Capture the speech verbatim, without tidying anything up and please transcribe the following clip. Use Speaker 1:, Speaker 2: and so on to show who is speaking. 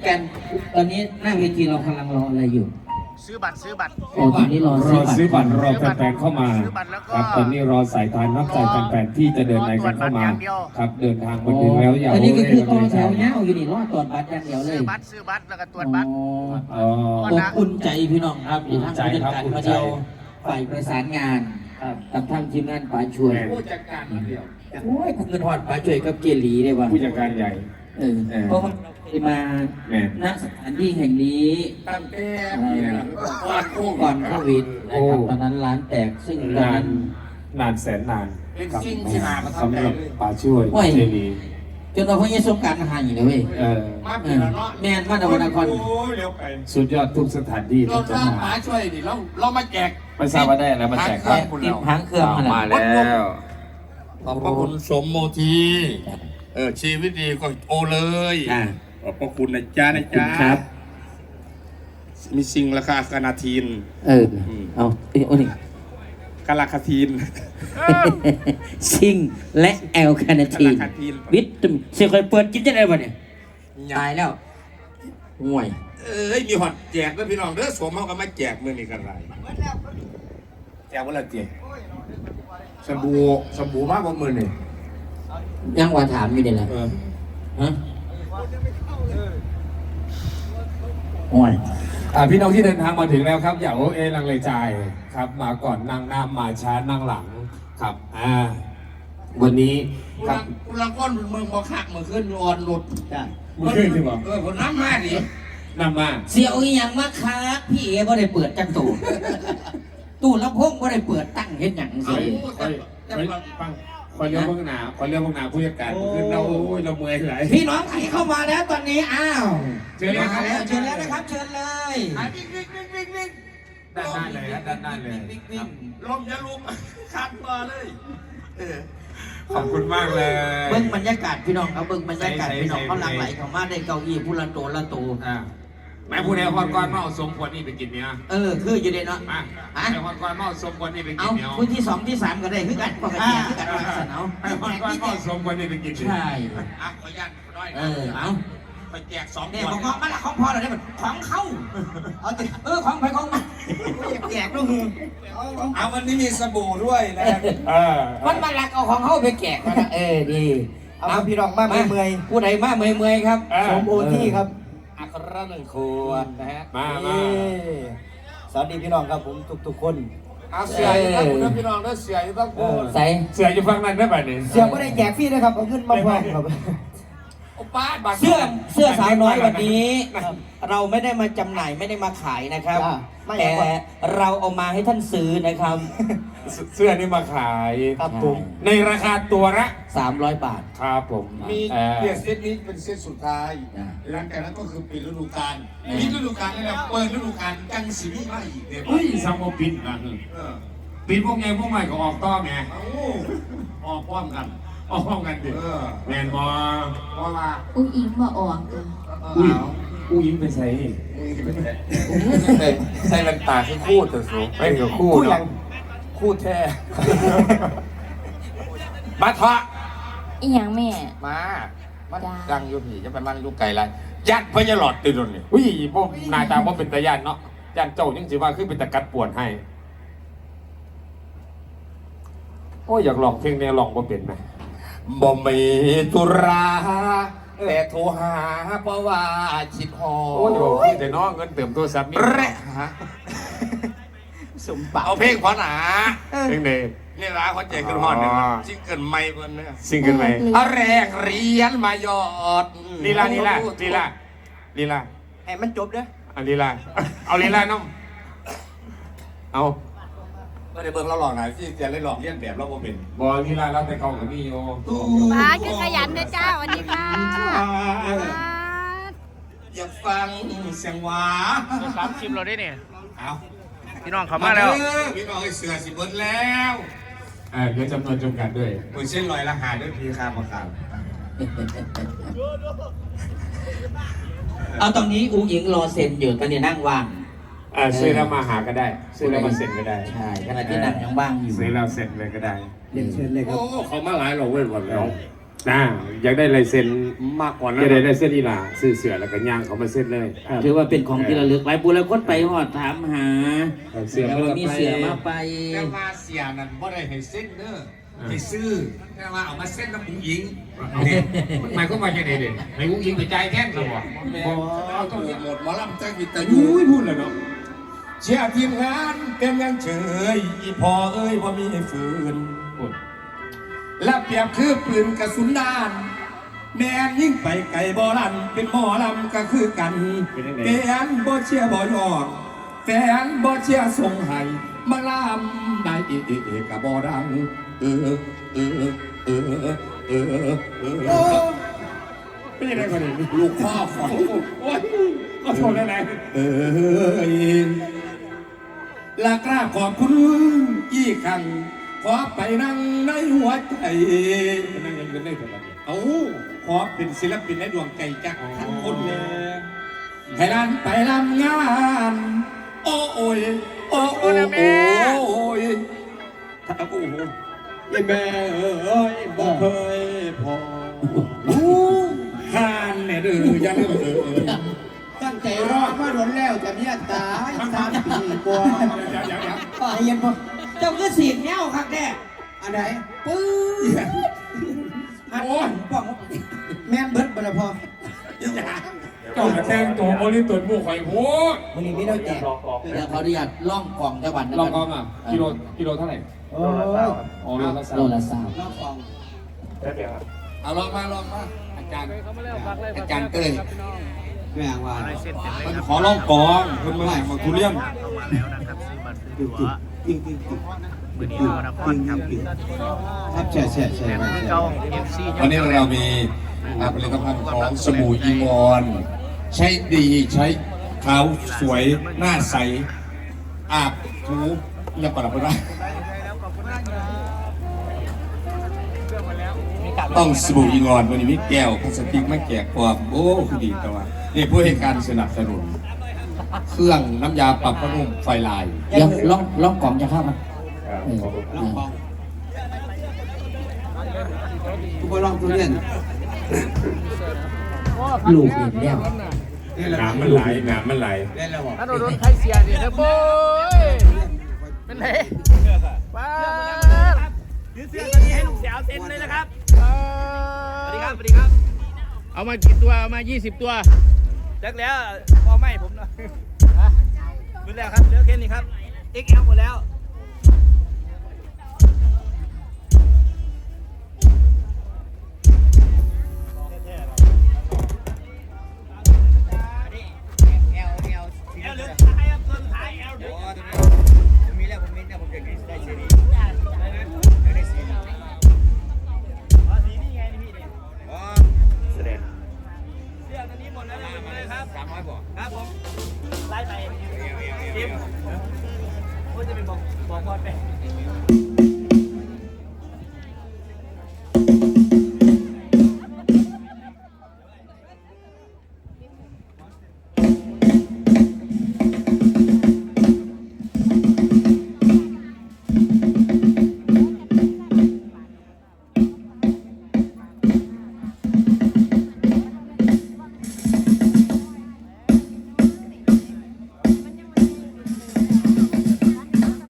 Speaker 1: กันตอนนี้หน้าเวทีเรากำลังรออะไรอยู่
Speaker 2: ซื้อบัตรซื้อบัตร
Speaker 1: โอ้ตอนนี้รอ
Speaker 3: รอซื้อบัตรรอแฟนๆเข้ามาครับตอนนี้รอสายทานนับใจแฟนๆที่จะเดินในกันเข้ามาครับเดินทางมาถึงแล้วอย่า
Speaker 1: อันนี้ก็คือต่อแถวเนี้ยอยู่นี่รอตรวจบัตรอย่างเดียวเลย
Speaker 2: ซื้อบัตรซื้อบัตรแล้วก็ตรวจบัตร
Speaker 1: อ๋ออบอุ่นใจพี่น้องครับมีทั้งผู้จัดการมาเดียวฝ่ายประสานงานกับทั้งทีมงานป๋าช่วย
Speaker 3: ผู้จัดการมาเดียว
Speaker 1: โอ้ยเงินหอดป๋าช่วยกับเกลีได้ว่ะ
Speaker 3: ผู้จัดการใหญ่
Speaker 1: เออเพราะว่าเราเคยมาณสถานที่แห่งนี้
Speaker 3: ตั้งแต่
Speaker 1: ก่อนก่อนโควิดนะครับตอนนั้นร้านแตกซึ่ง
Speaker 3: นานนานแสนนาน
Speaker 2: เป็นสิ่งที่หามาทำได้เลย
Speaker 3: ป๋าช่วยเจลี
Speaker 1: จนเราเพิ่งจะสงการหายเลยเว้ย
Speaker 3: เออ
Speaker 2: มาปีละเนาะ
Speaker 1: แม่นมาดาวนาคร
Speaker 3: สุดยอดทุกสถานที่
Speaker 2: เราถ้าป๋าช่วยดิเราเรามาแจก
Speaker 3: ไม่ทราบว่าได้แล้วมาแจกครับ
Speaker 1: ติดพังเครื่อง
Speaker 3: มาแล้ว
Speaker 2: ขอบพระคุณสมโมทีเออชีวิตดีก็โอเลยขอบพระคุณนะจ๊ะนะจ๊ะ
Speaker 1: ครับ
Speaker 2: มีสิ่งราคาคานาทีน
Speaker 1: เออเอาเอ้ยโอ้นี่
Speaker 2: กาลาคาทีน
Speaker 1: ซิงและแอลคานาทีนวิตามินเสียคอยเปิดกินจะได้ป่ะเนี่ยตายแล้วห่วย
Speaker 2: เอ้ยมีหอดแจกด้วยพี่น้องเด้อสวมเขาก็มาแจกมือนี่กันไรแจกวันละเจ็ดสบู่สบู่มากกว่ามือนี่
Speaker 1: ยังว่าถามอยู่นี่แหละฮะโอ้ย
Speaker 3: พี่น้องที่เดินทางมาถึงแล้วครับอย่าโอเอลังเลใจครับมาก่อนนั่งหน้ามาช้านั่งหลังครับอ่าวันนี้
Speaker 2: ครับคุณลังก้อนเมืองบ่คักเมืองขึ้นอ่อนหลุด
Speaker 3: จ้ะมือขึ้นใช่ป่ะ
Speaker 2: เออผมน้ำมาดิ
Speaker 3: น้ำมา
Speaker 1: เสียวอีหยังมาคักพี่เอ๋บ่ได้เปิดจังตู้ตู้ลำโพงบ่ได้เปิดตั้งเห็นหยังสิ
Speaker 3: ฟังคอยเรียกพวกหนาคอยเรียกพวกหนาผู้จัดการคือเราโอ้ยเราเมื่อยไหล
Speaker 1: พี่น้องใครเข้ามาแล้วตอนนี้อ้าว
Speaker 3: เชิญเลยครับ
Speaker 1: เชิญแล้วนะครับเชิญเลย
Speaker 2: วิ่งวิ่งวิ่งวิ่งวิ่ง
Speaker 3: ด้านหน้าเลยด้านหน้าเลย
Speaker 2: ลมจะลุมคัดมาเลย
Speaker 3: ขอบคุณมากเลย
Speaker 1: เบิ้งบรรยากาศพี่น้องครับเบิ้งบรรยากาศพี่น้องเขาหลั่งไหลเข้ามาได้เก้าอี้ผู้ละโตละโต
Speaker 3: แม่ผู้ใดฮอดก้อนมาเอาสมควรนี่ไปกินเนี่ย
Speaker 1: เออคืออยู่ในเนาะ
Speaker 3: อ่ะแม่ฮอดก้อนมาเอาสมควรนี่ไปกินเนี่ย
Speaker 1: เอาพื้นที่สองที่สามก็ได้คือกันปกติคือกันว่าสนเอา
Speaker 3: แม่ฮอดก้อนมาเอาสมควรนี่ไปกิน
Speaker 1: ใช่
Speaker 2: อ่ะขออนุญาตน้อย
Speaker 1: เออเอา
Speaker 2: ไปแจกสอง
Speaker 1: เนี่ยของมันละของพอเราได้หมดของเขาเอาติเออของไปของมันแจกด้วย
Speaker 2: เอาวันนี้มีสบู่ด้วยนะ
Speaker 3: เออ
Speaker 1: มันมาลักเอาของเขาไปแจกนะเออดี
Speaker 4: เอาพี่น้องมาเมื่อย
Speaker 1: ผู้ใดมาเมื่อยเมื่อยครับ
Speaker 4: สมโอที่ครับ
Speaker 1: อักระหนึ่งขวดนะฮะ
Speaker 3: มามา
Speaker 4: สวัสดีพี่น้องครับผมทุกๆคน
Speaker 2: เอาเสียอยู่ทั้งคุณพี่น้องแล้วเสียอยู่ทั้งคุณ
Speaker 1: ใส่
Speaker 3: เสียอยู่ฟังนั้นได้ป่ะเนี่ย
Speaker 4: เสียไม่ได้แจกฟรีนะครับเอาเงินมาพร้อมครับ
Speaker 1: เสื้อเสื้อสาวน้อยวันนี้เราไม่ได้มาจำหน่ายไม่ได้มาขายนะครับแต่เราเอามาให้ท่านซื้อนะครับ
Speaker 3: เสื้อนี่มาขาย
Speaker 4: ครับผม
Speaker 3: ในราคาตัวละ
Speaker 1: สามร้อยบาท
Speaker 3: ครับผม
Speaker 2: มีเปียเซตนี้เป็นเซตสุดท้ายหลังจากนั้นก็คือปิดฤดูกาลปิดฤดูกาลแล้วเปิดฤดูกาลจังสีนี้มาอีกเนี่ย
Speaker 3: เฮ้ยซัมโมปิดนะปิดพวกไงพวกใหม่ก็ออกต้อไง
Speaker 2: ออกพร้อมกัน
Speaker 3: ออกพร้อมกันดิแมนบอ
Speaker 2: เพราะว่า
Speaker 5: อุ้งอิงมาออก
Speaker 3: อุ้ยอุ้ยอิงไปใส่
Speaker 2: ใส่แว่นตาคือคู่แต่สูง
Speaker 3: ไม่เกี่ยวคู่
Speaker 4: ยัง
Speaker 2: คู่แท้มาเถอะ
Speaker 5: อีหยังแม่
Speaker 2: มามันดังอยู่ผีจะเป็นมันอยู่ไกลไรยัดพญาหลอดติดตรงนี้
Speaker 3: อุ้ยพวกนายตาว่าเป็นตะยันเนาะยันเจ้ายังสิว่าคือเป็นตะกัดปวดให้โอ้ยอยากลองเพลงนี้ลองว่าเป็นไหม
Speaker 2: บ่มีตุราแต่โทรหาเพราะว่าชิดหอ
Speaker 3: โอ้ยบอกแต่น้องเงินเติมตัวซับนี่
Speaker 2: แร่ฮะสมบัติเอาเพลงขอหนา
Speaker 3: เพลงเดย์
Speaker 2: นี่ร้านเขาแจกกันหอดหนึ่งซิงเกิลใหม่คนนี้
Speaker 3: ซิงเกิลใหม่
Speaker 2: เอาแรกเรียนมายอด
Speaker 3: ลีลาลีลาลีลาลีลา
Speaker 4: ให้มันจบเด้อ
Speaker 3: เอาลีลาเอาลีลาน้องเอา
Speaker 2: ก็ได้เบิ่งเราหลอกหน่อยที่จะเล่นหลอกเลี้ยนแบบเราโมเป็น
Speaker 3: บอลลีลาเราแต่เขากับนี่โย
Speaker 5: มาขึ้นขยันนะจ้าวันนี้ค่ะ
Speaker 2: อยากฟังเสียงหวา
Speaker 1: สามชิมเราได้เนี่ย
Speaker 2: เอา
Speaker 1: พี่น้องเขามาแล้ว
Speaker 2: พี่น้องเสือสิเบิร์ดแล้ว
Speaker 3: เออเดี๋ยวจำนวนจำกัดด้วย
Speaker 2: มือเส้นลอยราคาด้วยพีคามาข่าว
Speaker 1: เอาตอนนี้อุ้งอิงรอเซ็นอยู่ตอนนี้นั่งว่าง
Speaker 3: อ่าซื้อแล้วมาหาก็ได้ซื้อแล้วมาเซ็นก็ได้
Speaker 1: ใช่ขณะที่นั่งยังว่างอยู่
Speaker 3: ซื้อแล้วเซ็นเลยก็ได้
Speaker 4: เรียนเชิญเลยครับ
Speaker 2: โอ้เขามาหลายเราเว้ยหมดแล้ว
Speaker 3: นะอยากได้ลายเซ็น
Speaker 2: มากกว่า
Speaker 3: อ
Speaker 2: นั้
Speaker 3: ยาน กได้ลายเซ็นอีหล่าซื้อเสือแล้วก็ย่างเขามาเซ็นเลย
Speaker 1: ถือว่าเป็นของที่ระลึกหลายบุญแล้วคนไปหอดถามหา
Speaker 3: เสือ
Speaker 1: แต่
Speaker 3: มัน
Speaker 1: ว่า
Speaker 3: ก็
Speaker 1: มี
Speaker 3: ไป
Speaker 1: เสือมาไป
Speaker 2: แต่ว่าเสียนั่นบ่ได้ให้เส้นเด้อให้ซื้อแต่ว่าเอามาเส้นน้ำผู้หญิงเนี่ยมันหมายความว่าจะไหนเด่นในผู้หญิงไปใจแค่หรอวะเอาต้องหมดหมอลำใจวิตายุ
Speaker 3: อุ้ยพูดเลยเนาะ
Speaker 2: เชียร์ทีมงานเป็นยังเฉยอีพอเอ้ยบ่มีฝืนและเปรียบคือปืนกระสุนด้าน แม่นยิ่งไปไก่บ่ลันเป็นหมอลำก็คือกันแฟนบ่เชียร์บ่ยอมแฟนบ่เชียร์ส่งให้มาลำได้เอเอเอกับบ่ดังเออเออเออเออเออ
Speaker 3: ไม่ใช่ได้คนนี้
Speaker 2: ลูกพ่อขอ
Speaker 3: โอ้ยก็โทษได้ไหม
Speaker 2: เออลากราบขอบคุณอีกครั้งขอไปนั่งในหัวใจ
Speaker 3: นั่งยังกันได้เท่าไหร่
Speaker 2: เอาขอเป็นศิลปินในดวงใจจากทั้งคนเลยให้ร้านไปรำงาน โอ้โอยโอ้โอ้โอ้ยถ้าโอ้โหยี่แม่เอ้ยบอกเคยพอทานแม่ดื้อยันเอ่ย
Speaker 4: ตั้งใจรอมาโดนแล้วจะเนี่ยตายสามปีกว่า
Speaker 2: อย่าอย่าอย่า
Speaker 4: ไอ้ยันบ่
Speaker 1: เจ้าก็สีดแนวครับแน่
Speaker 4: อันไหนปื้
Speaker 2: โอ้ย
Speaker 1: ป้อง
Speaker 4: แม่นเบิดบ่ละพอ
Speaker 3: เจ้ามาแทงตัวโมลิตุนบุกไข่โพูด
Speaker 4: มื้อนี้มีเราแจก
Speaker 1: เดี๋ยวเขาอนุญาตล่องกล่องจังหวัดนะ
Speaker 3: ล
Speaker 1: ค
Speaker 3: อง
Speaker 1: รับ
Speaker 3: กองอ่ะกิโลกิโลเท่าไหร่
Speaker 4: โอ้ย
Speaker 3: อ๋อโลละสาม
Speaker 1: โลละสาม
Speaker 4: รอบกอง
Speaker 2: เอาลองมาลองมาอาจารย์อาจารย์เต้ย
Speaker 4: แม่งว่า
Speaker 2: มันขอลองกองคุณเมื่อไหร่มาทุเรียน
Speaker 4: จริงจริงจริงจริง
Speaker 6: มือนี้เรานครครับ
Speaker 4: ครับแช่แช่แช่
Speaker 6: แต่มือเก่าเอฟซี
Speaker 2: วันนี้เรามีอ่าผลิตภัณฑ์ของสบู่อีงอน ใช้ดีใช้ขาวสวยหน้าใสอาบถูยังก่อนเราไปได้ต้องสบู่อีงอนวันนี้มีแก้วพลาสติกไม่แจกความโอ้คือดีแต่ว่านี่ผู้ให้การสนับสนุน เครื่องน้ำยาปรับผ้านุ่มไฟลาย
Speaker 1: เดี๋ยวล่องล่องกล่องจะเข้ามาเออ
Speaker 4: ลองกองกูไปลองทุเรียน
Speaker 1: ลูกเห็นแล้ว
Speaker 3: น้ำมันไหลน้ำมันไหล
Speaker 4: เล่นแล้วบ่
Speaker 6: ถ้าโดนใครเสียดิเด้อโบ้ยเป็นไรป้าถือเสื้อตัวนี้ให้ลูกสาวเซ็นเลยนะครับสวัสดีครับสวัสดีครับ เอามากี่ตัวเอามายี่สิบตัวจักแล้วพอไม่ผมเนาะหมดแล้วครับเหลือแค่นี้ครับ เอ็กซ์ แอล หมดแล้วครับผมไล่ไปจิมพูดจะเป็นบอกบอกพอดไป